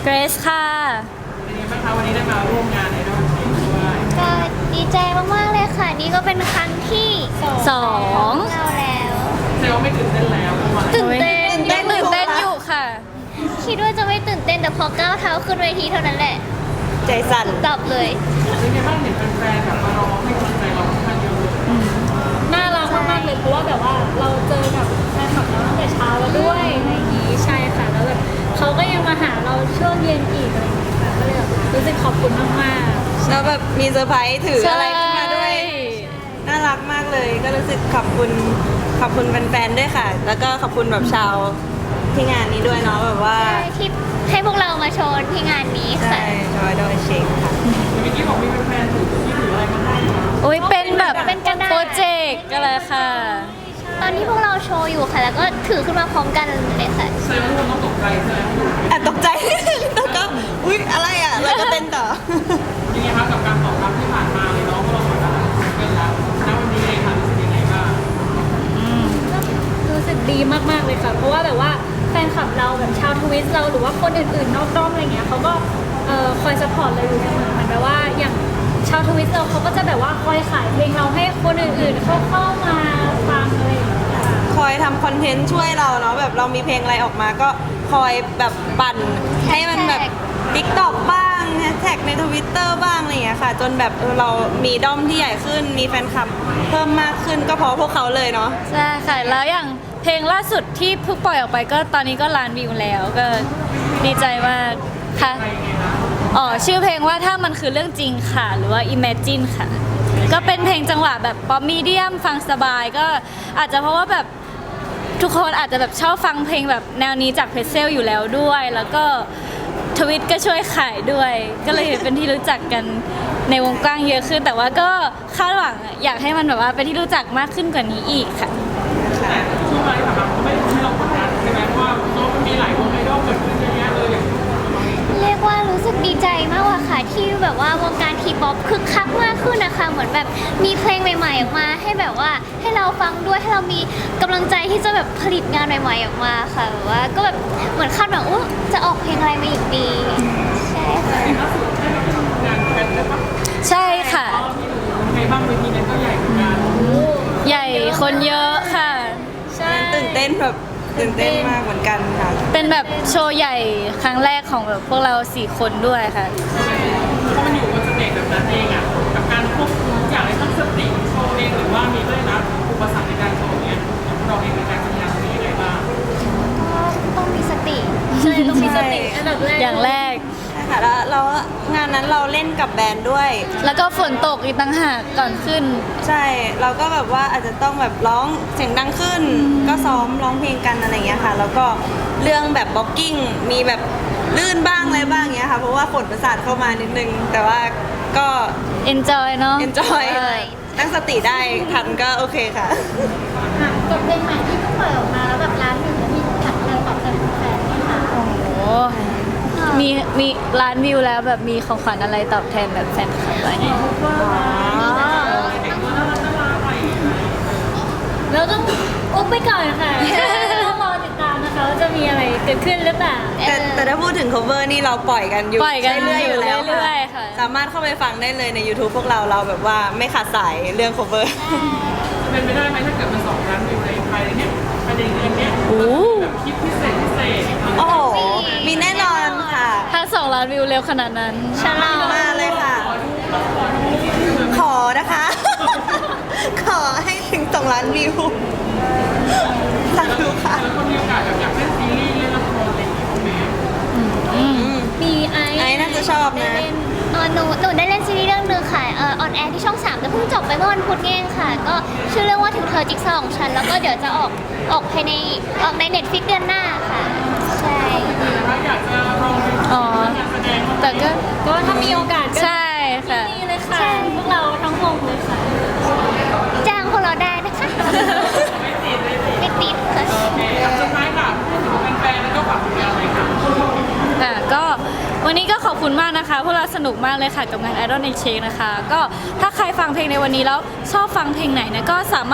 เกรซค่ะเป็นยังไงบ้างคะวันนี้ได้มาร่วมงานในรอบนี้ด้วยก็ดีใจมากๆเลยค่ะนี่ก็เป็นครั้งที่สองเราแล้วแสดงว่าไม่ตื่นเต้นแล้วเมื่อวานตื่นเต้นยังตื่นเต้นอยู่ค่ะคิดว่าจะไม่ตื่นเต้นแต่พอก้าวเท้าขึ้นเวทีเท่านั้นแหละใจสั่นดับเลยเป็นยังไงบ้างเห็นแฟนๆแบบมารอให้กำลังใจเราค่อนข้างเยอะเลยน่ารักมากๆเลยเพราะว่าแบบว่าเราเจอกับแฟนคลับเราตั้งแต่เช้าแล้วด้วยอะไรอย่างนี้ใช่ค่ะแล้วแบบเขาก็ยังมาหาเราช่วงเย็นอีกอะไรอย่างนี้ค่ะก็เลยแบบรู้สึกขอบคุณมากๆแล้วแบบมีเซอร์ไพรส์ถืออะไรขึ้นมาด้วย น่ารักมากเลย ก็รู้สึกขอบคุณแฟนๆด้วยค่ะ แล้วก็ขอบคุณแบบชาวที่งานนี้ด้วยเนาะแบบว่าที่ให้พวกเรามาโชว์ที่งานนี้ใช่ค่ะชอยดอยเชคค่ะเมื่อกี้บอกมีแฟนๆถืออะไรมาให้คะโอ้ยเป็นแบบเป็นกระดาษโปรเจกต์อะไรค่ะตอนที่พวกเราโชว์อยู่ค่ะ แล้วก็ถือขึ้นมาพร้อมกันเลยค่ะแสดงว่าทุกคนต้องตกใจใช่ไหมแอบตกใจ แล้วก็อุ๊ยอะไรอ่ะแล้วก็เต้นต่อยังไงคะกับการตอบรับที่ผ่านมาเลยเนาะเพราะเราเหมือนกันเป็นแล้วณวันนี้เองค่ะรู้สึกยังไงบ้างรู้สึกดีมากๆเลยค่ะ เพราะว่าแบบว่าแฟนคลับเราแบบชาวทวิสเราหรือว่าคนอื่นๆนอกด้อมอะไรเงี้ยเขาก็คอยสปอร์ตเราอยู่เสมอเหมือนแบบว่าอย่างชาวทวิสเราเขาก็จะแบบว่าคอยขายเพลงเราให้คนอื่นๆเข้ามาฟังอะไรอย่างเงี้ยค่ะคอยทำคอนเทนต์ช่วยเราเนาะแบบเรามีเพลงอะไรออกมาก็คอยแบบปั่นให้มันแบบ TikTok บ้างแฮชแท็กใน Twitter บ้างอะไรอย่างเงี้ยค่ะ จนแบบเรามีด้อมที่ใหญ่ขึ้นมีแฟนคลับเพิ่มมากขึ้นก็เพราะพวกเขาเลยเนาะใช่ค่ะ แล้วอย่างเพลงล่าสุดที่เพิ่งปล่อยออกไปก็ตอนนี้ก็ล้านวิวแล้วก็ดีใจมากค่ะอ๋อชื่อเพลงว่าถ้ามันคือเรื่องจริงค่ะ หรือว่า Imagine ค่ะ ก็เป็นเพลงจังหวะแบบป๊อปมีเดียมฟังสบายก็อาจจะเพราะว่าแบบทุกคนอาจจะแบบชอบฟังเพลงแบบแนวนี้จากเพรสเซลอยู่แล้วด้วย แล้วก็ทวิตก็ช่วยขายด้วย ก็เลยเป็นที่รู้จักกันในวงกว้างเยอะขึ้น แต่ว่าก็คาดหวังอยากให้มันแบบว่าเป็นที่รู้จักมากขึ้นกว่านี้อีกค่ะแต่ช่วงเวลาที่ผ่านมาเขาไม่ได้ทำให้เรากดดันใช่ไหมเพราะว่าเนาะมันมีหลายวงไอดอลเกิดขึ้นเยอะแยะเลยอย่างเราเองเรียกว่ารู้สึกดีใจมากกว่าค่ะที่แบบว่าวงการทีป๊อปคึกคักมากขึ้นนะคะเหมือนแบบมีเพลงใหม่ๆออกมาให้แบบว่าให้เราฟังด้วยให้เรามีกำลังใจที่จะแบบผลิตงานใหม่ๆออกมาค่ะแบบว่าก็แบบเหมือนคาดหวังว่าจะออกเพลงอะไรมาอีกดีใช่ค่ะล่าสุดได้ไปร่วมงานกันแล้วปะใช่ค่ะอ๋อที่หนูเป็นไงบ้างเวทีนั้นก็ใหญ่เหมือนกันใหญ่คนเยอะค่ะใช่ตื่นเต้นแบบตื่นเต้นมากเหมือนกันค่ะเป็นแบบโชว์ใหญ่ครั้งแรกของแบบพวกเรา4 คนด้วยค่ะพอมันอยู่บนสเตจแบบนั้นเองอ่ะกับการควบคุมทุกอย่างในทั้งสติโชว์เองหรือว่ามีด้วยนะอุปสรรคในการโชว์เนี้ยเราเองในการทำงานตรงนี้ยังไงบ้างก็ต้องมีสติใช่ต้องมีสติอันดับแรกอย่างแรกใช่ค่ะแล้วงานนั้นเราเล่นกับแบรนด์ด้วยแล้วก็ฝนตกอีกต่างหากก่อนขึ้นใช่ เราก็แบบว่าอาจจะต้องแบบร้องเสียงดังขึ้น ก็ซ้อมร้องเพลงกันอะไรเงี้ยค่ะ แล้วก็เรื่องแบบบล็อกกิ้งมีแบบลื่นบ้างอะไรบ้างเงี้ยค่ะ เพราะว่าฝนประสาทเข้ามานิดนึง แต่ว่าก็ enjoy เนาะ enjoy ตั้งสติได้ทันก็โอเคค่ะค่ะกับเพลงใหม่ที่เพิ่งปล่อยออกมาแล้วแบบร้านหนึ่งแล้วมีของขวัญอะไรตอบแทนแฟนไหมคะโอ้โหมีล้านวิวแล้วแบบมีของขวัญอะไรตอบแทนแบบแฟนคลับอะไรเนี่ยเราต้องอุ๊บไปก่อนค่ะ ต้องรอติดตามนะคะว่าจะมีอะไรเกิดขึ้นหรือเปล่าแต่ถ้าพูดถึง cover นี่เราปล่อยกันอยู่ปล่อยกันเรื่อยๆอยู่แล้วเรื่อยๆค่ะสามารถเข้าไปฟังได้เลยใน YouTube พวกเราแบบว่าไม่ขาดสายเรื่อง cover จะเป็นไปได้ไหมถ้าเกิดมัน2 ล้านวิวในภายในเนี้ยภายในเดือนเนี้ยโอ้แบบคลิปพิเศษโอ้โห มีแน่นอนค่ะถ้า2 ล้านวิวเร็วขนาดนั้นฉลองมาเลยค่ะ ขอนะคะ ขอให้ถึง2 ล้านวิวสาธุค่ะแล้วคนมีโอกาสแบบอยากเล่นซีรีส์เล่นละครอะไรอย่างเงี้ยไหมมีไอไอ้น่าจะชอบนะหนูได้เล่นซีรีส์เรื่องหนึงค่ะออนแอร์ที่ช่อง 3แต่เพิ่งจบไปเมื่อวันพุธนี่เองค่ะ ก็ชื่อเรื่องว่าถึงเธอจิ๊กซอว์ของฉัน แล้วก็เดี๋ยวจะออกภายในออกใน Netflix เดือนหน้าค่ะ ใช่ถ้าอยากจะลองดูอ๋อการแสดงแต่ก็ก็ถ้ามีโอกาสก็ใช่ค่ะนี่เลยค่ะ พวกเราทั้งวงเลยค่ะจ้างพวกเราได้นะคะ ไม่ติดค่ะโอเคครับสุดท้ายค่ะพูดถึงแฟนๆแล้วก็ฝากผลงานหน่อยค่ะค่ะก็วันนี้ก็ขอบคุณมากนะคะ พวกเราสนุกมากเลยค่ะกับงาน Idol Exchange นะคะ ก็ถ้าใครฟังเพลงในวันนี้แล้วชอบฟังเพลงไหนนะก็สามารถ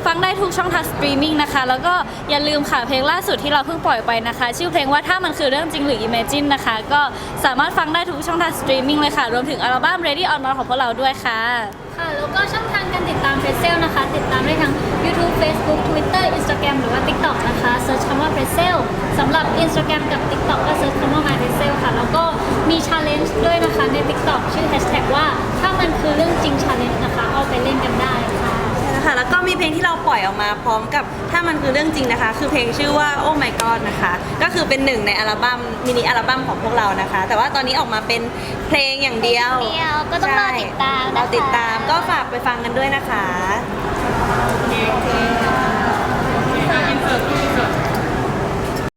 ฟังได้ทุกช่องทางสตรีมมิ่งนะคะแล้วก็อย่าลืมค่ะเพลงล่าสุดที่เราเพิ่งปล่อยไปนะคะ ชื่อเพลงว่าถ้ามันคือเรื่องจริงหรือ Imagine นะคะก็สามารถฟังได้ทุกช่องทางสตรีมมิ่งเลยค่ะรวมถึงอัลบั้ม Ready on March ของพวกเราด้วยค่ะค่ะแล้วก็ช่องทางการติดตามเฟซเซลนะคะ ติดตามได้ทั้ง YouTube Facebook Twitter Instagram หรือว่า TikTok นะคะเซิร์ชคำว่าเฟซเซลสำหรับ Instagram กับ TikTok ก็เซิร์ชคำว่า My f a c e l ค่ะ แล้วก็มี Challenge ด้วยนะคะใน TikTok ชื่อ Hashtag ว่าถ้ามันคือเรื่องจริง Challenge นะคะเอาไปเล่นกันได้ค่ะค่ะแล้วก็มีเพลงที่เราปล่อยออกมาพร้อมกับถ้ามันคือเรื่องจริงนะคะ คือเพลงชื่อว่า Oh My God นะคะ ก็คือเป็นหนึ่งในอัลบั้มมินิอัลบั้มของพวกเรานะคะ แต่ว่าตอนนี้ออกมาเป็นเพลงอย่างเดียวเพลงเดียวก็ต้องรอติดตามนะคะเราติดตามก็ฝากไปฟังกันด้วยนะคะโอเค